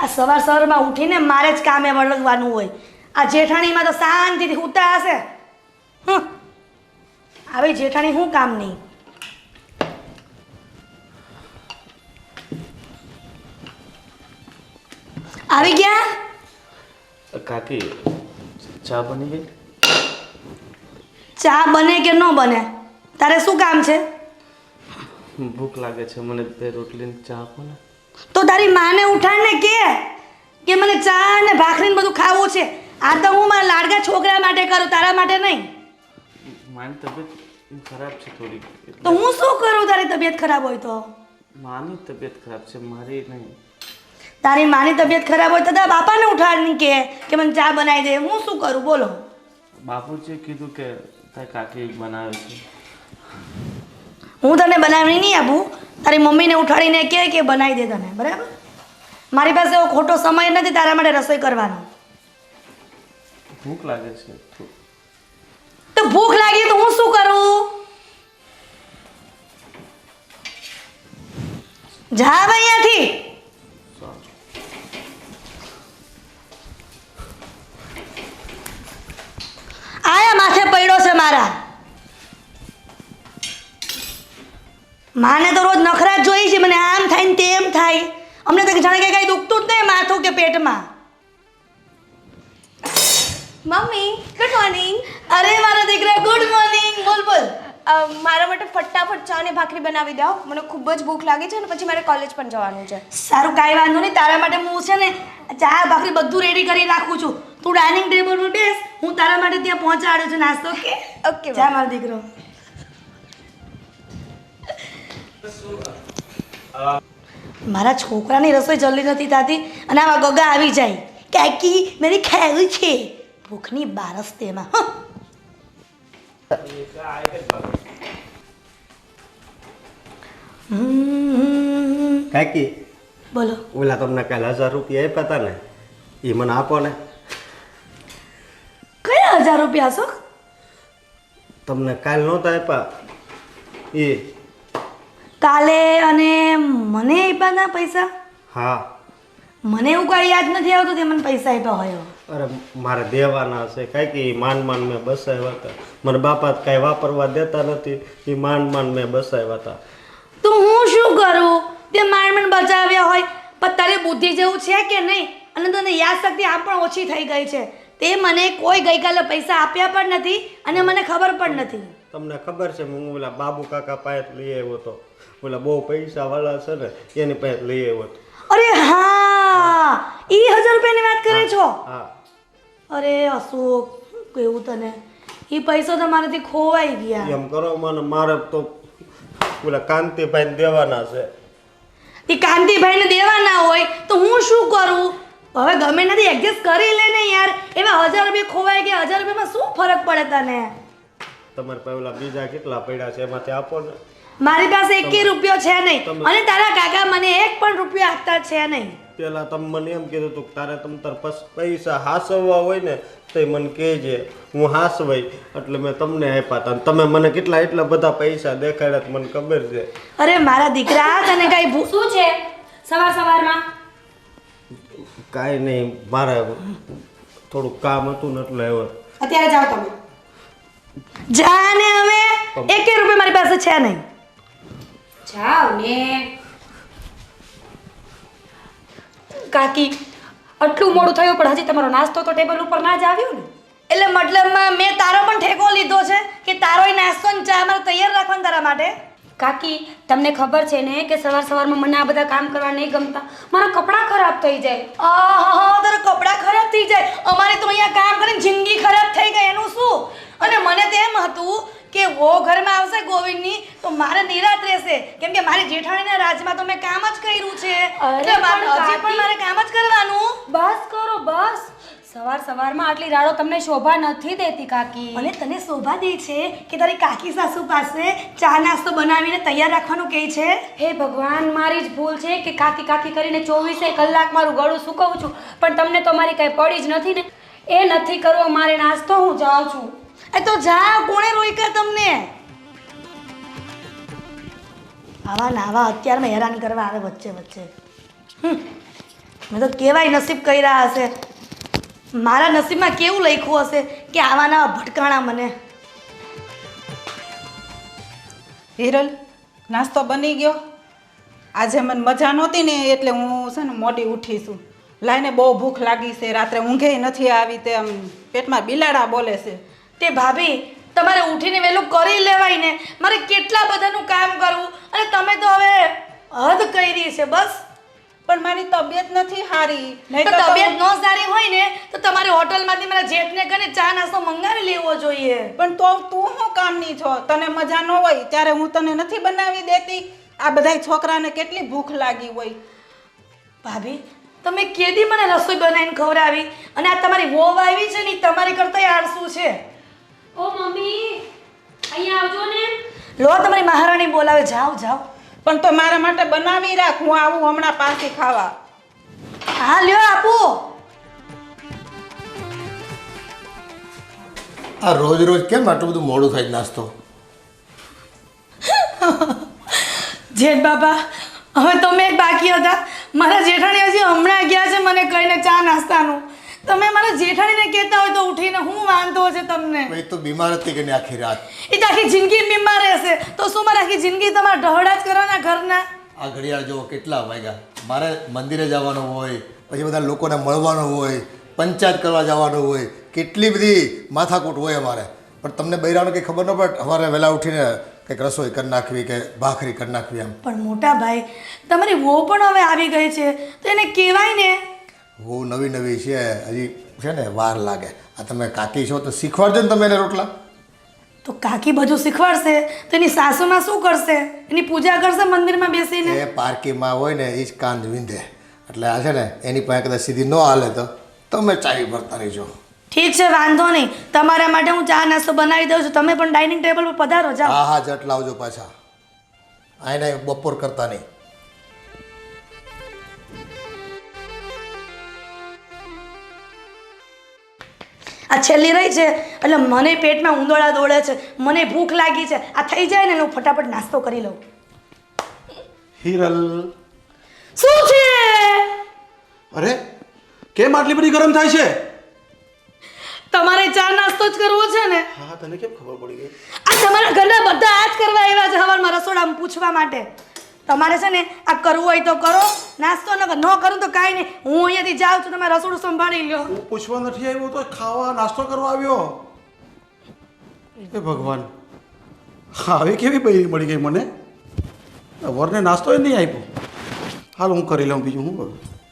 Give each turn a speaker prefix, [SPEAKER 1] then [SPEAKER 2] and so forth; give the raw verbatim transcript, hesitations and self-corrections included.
[SPEAKER 1] આ સવાર સવારમાં ઉઠીને મારે જ કામે વળગવાનું હોય. આ જેઠાણીમાં તો શાંતિથી સૂતા હશે. હમ આવી જેઠાણી શું કામ નહીં. આવી ગયા
[SPEAKER 2] કાકી, ચા બની ગઈ?
[SPEAKER 1] ચા બને કે ન બને તારે શું કામ છે?
[SPEAKER 2] ભૂખ લાગે છે મને, બે રોટલી ને ચા આપો ને.
[SPEAKER 1] તો તારી માને ઉઠાડને કે કે મને ચા ને ભાખરી ને બધું ખાવું છે. આ તો હું મારા લાડકા છોકરા માટે કરું, તારા માટે નહીં.
[SPEAKER 2] મારી તબિયત ખરાબ છે થોડી.
[SPEAKER 1] તો હું શું કરું તારી તબિયત ખરાબ હોય તો?
[SPEAKER 2] માની તબિયત ખરાબ છે, મારી નહીં.
[SPEAKER 1] તારી માની તબિયત ખરાબ હોય તો તારા બાપાને ઉઠાડને કે કે મને ચા બનાવી દે. હું શું કરું બોલો?
[SPEAKER 2] બાપુજીએ કીધું કે તારી કાકી બનાવે છે.
[SPEAKER 1] હું તને બનાવીને નહીં આપું. તારી મમ્મીને ઉઠાડીને કહે કે બનાવી દે તને, બરાબર? મારી પાસે એવો ખોટો સમય નથી તારા માટે રસોઈ કરવાનો.
[SPEAKER 2] ભૂખ લાગે છે
[SPEAKER 1] તો ભૂખ લાગી તો હું શું કરું? જા અહીંયાથી. આયા માથે પડ્યો છે મારા. માને તો રોજ નખરા જ જોઈ છે. મને આમ થાય ને તેમ થાય. અમને તો જાણે કે કઈ દુખતું જ નહીં માથું કે પેટમાં.
[SPEAKER 3] Mummy, good morning.
[SPEAKER 1] અરે મારા દીકરા, ગુડ મોર્નિંગ. બોલ બોલ.
[SPEAKER 3] મારા માટે ફટાફટ ચા અને ભાખરી બનાવી દો. મને ખૂબ જ ભૂખ લાગી છે અને પછી મારે કોલેજ પણ જવાનું છે.
[SPEAKER 1] સારું, કાંઈ વાંધો નહીં. તારા માટે હું છે ને ચા ભાખરી બધું રેડી કરી રાખું છું. તું ડાઇનિંગ ટેબલ પર બેસ, હું તારા માટે ત્યાં પહોંચાડું છું નાસ્તો. ઓકે
[SPEAKER 3] ઓકે
[SPEAKER 1] જા મારો દીકરો. મારા છોકરાની રસોઈ જલ્દી નથી થતી અને આવા ગગા આવી જાય. કાકી મેરી ખાવું છે. ભૂખની બારસ તેમાં.
[SPEAKER 4] કાકી,
[SPEAKER 1] બોલો.
[SPEAKER 4] ઓલા તમને કાલે હજાર રૂપિયા આપ્યા હતા ને, એ મને આપો ને.
[SPEAKER 1] કયા હજાર રૂપિયા છો?
[SPEAKER 4] તમને કાલ નહોતા આપ્યા એ?
[SPEAKER 1] કાલે અને મને આપ્યા હતા પૈસા?
[SPEAKER 4] હા.
[SPEAKER 1] મને એવું કાંઈ યાદ નથી આવતું તે મને પૈસા આપ્યા હોય.
[SPEAKER 4] અરે મારે દેવાના છે કાંઈક. એ માંડ માંડ મેં બસાવ્યા હતા. મને બાપા કાંઈ વાપરવા દેતા નથી. એ માંડ માંડ મેં બસાવ્યા હતા.
[SPEAKER 1] તો હું શું કરું? તે માંડ માંડ બચાવ્યા હોય પણ તારી બુદ્ધિ જેવું છે કે નહીં? અને તને યાદ શક્તિ આમ પણ ઓછી થઈ ગઈ છે. તે મને કોઈ ગઈકાલે પૈસા આપ્યા પણ નથી અને મને ખબર પણ નથી.
[SPEAKER 4] તમને ખબર છે હું ઓલા બાબુ કાકા પાસે લઈ આવ્યો હતો. ઓલા બહુ પૈસા વાળા છે ને એની પાસે લઈ આવ્યો હતો.
[SPEAKER 1] અરે હા, ઈ હજાર રૂપિયાની વાત કરે છો?
[SPEAKER 4] હા.
[SPEAKER 1] અરે અશોક, શું કેવું તને? ઈ પૈસા તો મારાથી ખોવાઈ ગયા.
[SPEAKER 4] એમ કરો મને, મારે તો ઓલા કાંતિભાઈને દેવાના છે.
[SPEAKER 1] એ કાંતિભાઈને દેવાના હોય તો હું શું કરું? હવે ગમે નથી એડજસ્ટ કરી લે ને યાર. એવા હજાર રૂપિયા ખોવાઈ ગયા, હજાર રૂપિયામાં શું ફરક પડે તને?
[SPEAKER 4] તમારે પાસે ઓલા બીજા કેટલા પડ્યા છે એમાંથી આપો ને.
[SPEAKER 1] મારી પાસે એક રૂપિયો છે નહીં અને તારા કાકા મને એક પણ રૂપિયો આપતા છે નહીં.
[SPEAKER 4] પેલા તમે મને એમ કીધું હતું કે તારે તમ તાર પૈસા હાસવવા હોય ને તો મને કહેજે, હું હાસવાઈ એટલે મેં તમને આપ્યા હતા. તમે મને કેટલા એટલા બધા પૈસા દેખાડ્યા મને ખબર છે.
[SPEAKER 1] અરે મારા દીકરા, તને કઈ
[SPEAKER 5] શું છે સવાર સવારમાં?
[SPEAKER 4] કાંઈ નહીં, મારે થોડુંક કામ હતું ને એટલે આવ્યો.
[SPEAKER 5] અત્યારે જાઓ તમે.
[SPEAKER 1] જા ને. હવે એક રૂપિયા મારી પાસે છે નહીં.
[SPEAKER 5] જાઓ ને. કાકી, આટલું મોડું થયું પણ હજી તમારો નાસ્તો તો ટેબલ ઉપર ના જ આવ્યો ને?
[SPEAKER 1] એટલે મતલબમાં મેં તારો પણ ઠેકો લીધો છે કે તારોય નાસ્તો ને ચા મારે તૈયાર રાખવાનું તારા માટે?
[SPEAKER 5] કાકી, તમને ખબર છે ને કે સવાર સવારમાં મને આ બધા કામ કરવા નહીં ગમતા. મારા કપડાં ખરાબ થઈ જાય.
[SPEAKER 1] આહા, તારા કપડાં ખરાબ થઈ જાય. અમારે તો અહીંયા કામ કરીને જિંદગી ખરાબ થઈ ગઈ, એનું શું? અને મને તો એમ હતું કે વો ઘરમાં આવશે ગોવિંદની તો મારે નિરાત રહેશે, કેમ કે મારી જેઠાણીના રાજમાં તો મેં કામ જ કર્યું છે. એટલે હજી પણ મારે કામ જ કરવાનું.
[SPEAKER 5] બસ કરો બસ. સવાર સવારમાં આટલી રાડો તમને શોભા નથી દેતી કાકી.
[SPEAKER 1] અને તને શોભા દે છે કે તારી કાકી સાસુ પાસે ચા નાસ્તો બનાવીને તૈયાર રાખવાનું કહે છે?
[SPEAKER 5] હે ભગવાન, મારી જ ભૂલ છે કે કાકી કાકી કરીને ચોવીસે કલાક મારું ગળું સુકવું છું, પણ તમને તો મારી કાંઈ પડી જ નથી ને. એ નથી કરવો મારે નાસ્તો, હું જાઉં છું.
[SPEAKER 1] એ તો જા, કોણે રોક્યા તમને? આવા નાવા અત્યારમાં હેરાન કરવા આવે વચ્ચે વચ્ચે. મેં તો કેવાય નસીબ કર્યા હશે. મારા નસીબમાં કેવું લખ્યું હશે કે આવાના ભટકાણા મને.
[SPEAKER 6] હિરલ, નાસ્તો બની ગયો? આજે મને મજા નહોતી ને એટલે હું છે ને મોડી ઉઠી છું. લાઈને બહુ ભૂખ લાગી છે, રાત્રે ઊંઘે નથી આવી, તે આમ પેટમાં બિલાડા બોલે છે.
[SPEAKER 1] તે ભાભી તમારે ઉઠીને વહેલું કરી લેવાય ને. મારે કેટલા બધાનું કામ કરવું અને તમે તો હવે હદ કરી છે બસ.
[SPEAKER 6] પણ મારી તબિયત નથી સારી. નહીં
[SPEAKER 1] તો
[SPEAKER 6] તો
[SPEAKER 1] તબિયત ન સારી હોય ને તો તમારે હોટલમાંથી મારા જેઠને કને ચા નાસ્તો મંગાવી લેવો જોઈએ.
[SPEAKER 6] પણ તો તું શું કામની છો? તને મજા ન હોય ત્યારે હું તને નથી બનાવી દેતી? આ બધાય છોકરાને કેટલી ભૂખ લાગી હોય.
[SPEAKER 1] ભાભી તમે કેદી મને રસોઈ બનાવીને ખવડાવી અને આ તમારી વોવ આવી છે ને ઈ તમારી કરતા આળસુ છે.
[SPEAKER 5] ઓ મમ્મી અહીંયા આવજો ને.
[SPEAKER 1] લો તમારી મહારાણી બોલાવે, જાઓ જાઓ.
[SPEAKER 6] પણ તો મારા માટે બનાવી રાખ, હું આવું હમણાં પાછી ખાવા.
[SPEAKER 1] હા લ્યો આપો.
[SPEAKER 7] આ રોજ રોજ કેમ આટલું બધું મોડું થાય નાસ્તો?
[SPEAKER 1] જેઠ બાપા હવે તમે એક બાકી હતા. મારા જેઠાણી હજી હમણાં ગયા છે મને કહીને ચા નાસ્તાનું. તમે મારા જેઠાણીને કહેતા હોય તો ઉઠીને હું વાંધો છે તમને?
[SPEAKER 7] ભાઈ તો બીમાર હતી કે નહીં આખી રાત?
[SPEAKER 1] એ તો આખી જિંદગી બીમાર રહેશે તો શું મારે આખી જિંદગી તમારા ઢહડા જ કરવાના ઘરના?
[SPEAKER 7] આ ઘડિયાળ જો કેટલા વાગ્યા. મારે મંદિરે જવાનું હોય, પછી બધા લોકોને મળવાનું હોય, પંચાયત કરવા જવાનું હોય, કેટલી બધી માથાકૂટ હોય અમારે. પણ તમને બૈરાને કંઈ ખબર ન પડે? અમારે વહેલા ઉઠીને કંઈક રસોઈ કરી નાખવી કે ભાખરી કરી નાખવી એમ.
[SPEAKER 1] પણ મોટા ભાઈ તમારી વહુ પણ હવે આવી ગઈ છે તો એને કહેવાય ને.
[SPEAKER 7] બહુ નવી નવી છે, હજી છે ને વાર લાગે. આ તમે કાકી છો તો શીખવાડજો ને તમે એને રોટલા.
[SPEAKER 1] તો કાકી બધું શીખવાડશે તો એની સાસુમાં શું કરશે? એની પૂજા કરશે મંદિરમાં બેસીને?
[SPEAKER 7] એ પારકીમાં હોય ને એ જ કાંદ વિંધે. એટલે આ છે ને એની પાસે કદાચ સીધી ન હાલે તો તમે ચાવી ભરતા રહીજો.
[SPEAKER 1] ઠીક છે વાંધો નહીં. તમારા માટે હું ચા નાસ્તો બનાવી દઉં છું. તમે પણ ડાઇનિંગ ટેબલ પર પધારો, જાઓ.
[SPEAKER 7] હા હા જટ લાવજો પાછા. આઈને બપોર કરતા નહીં.
[SPEAKER 1] આ છેલ્લી રહી છે એટલે મને પેટમાં ઉંદોળા દોડે છે, મને ભૂખ લાગી છે. આ થઈ જાય ને હું ફટાફટ નાસ્તો કરી લઉં.
[SPEAKER 8] હિરલ,
[SPEAKER 1] શું છે?
[SPEAKER 8] અરે કેમ આટલી બધી ગરમ થાય છે?
[SPEAKER 1] તમારે ચા નાસ્તો જ કરવો છે ને?
[SPEAKER 8] હા, તને કેમ ખબર પડી ગઈ?
[SPEAKER 1] આ તમારા ઘરના બધા આ જ કરવા આવ્યા છે હવારમાં રસોડામાં પૂછવા માટે. તમારે છે ને આ કરવું હોય તો કરો નાસ્તો, ન ન કરું તો કાંઈ નહીં. હું અહીંયાથી જાઉં છું, તમે રસોડું સંભાળી લો.
[SPEAKER 8] હું પૂછવા નથી આવ્યો તો ખાવા નાસ્તો કરવા આવ્યો. એ ભગવાન, હા આવી કેવી બૈરી મળી ગઈ મને? વરને નાસ્તો એ નહીં આપ્યો. હાલ હું કરી લઉં બીજું હું કરું.